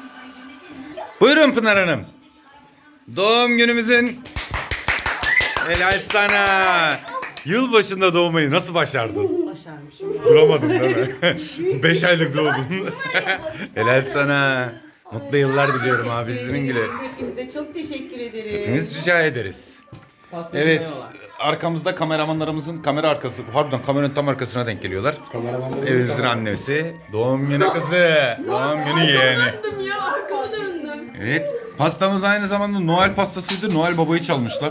Buyurun Pınar Hanım. Doğum günümüzün helal sana. Yılbaşında doğmayı nasıl başardın? Başarmışım. Duramadın değil mi? 5 aylık doğdun. Helal sana. Mutlu yıllar diliyorum abi sizin gibi. Hepinize çok teşekkür ederim. Hepimiz rica ederiz. Evet, arkamızda kameramanlarımızın kamera arkası, harbiden kameranın tam arkasına denk geliyorlar. Evimizin annesi, doğum günü kızı, doğum günü yeğeni. Ya arkama döndüm. Evet, pastamız aynı zamanda Noel pastasıydı. Noel Baba'yı çalmışlar.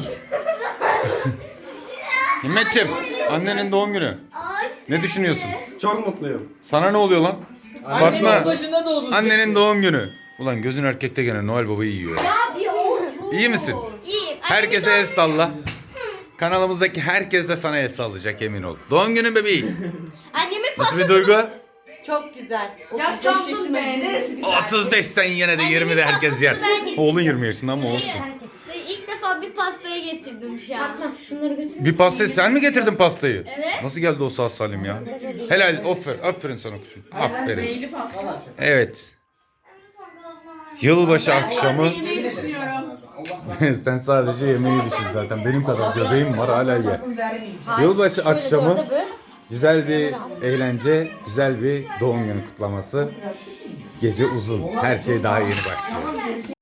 Himmetciğim, annenin doğum günü. Ne düşünüyorsun? Çok mutluyum. Sana ne oluyor lan? Annemin Fatma, başında doğdun. annenin doğum günü. Ulan gözün erkekte gene Noel Baba'yı yiyor. İyi misin? İyiyim. Herkese el salla. Kanalımızdaki herkes de sana el sallayacak emin ol. Doğum günü bebeği. Annemin Nasıl bir duygu? Çok güzel. 35 Yaşlandım yaşında. be. Neresi güzel. 35 sen yine de 20'de herkes yer. Oğlun 20 yaşında ama olsun. İlk defa bir pastayı getirdim şu an. Şunları götür. Bir pastayı sen mi getirdin pastayı? Evet. Nasıl geldi o sağ salim ya? Helal, aferin sana kuzum. Aferin. Evet. Yılbaşı akşamı. Yemeği düşünüyorum. Sen sadece yemeği düşün zaten. Benim kadar göbeğim var hala ye. Yılbaşı akşamı güzel bir eğlence, güzel bir doğum günü kutlaması. Gece uzun. Her şey daha yeni başlıyor.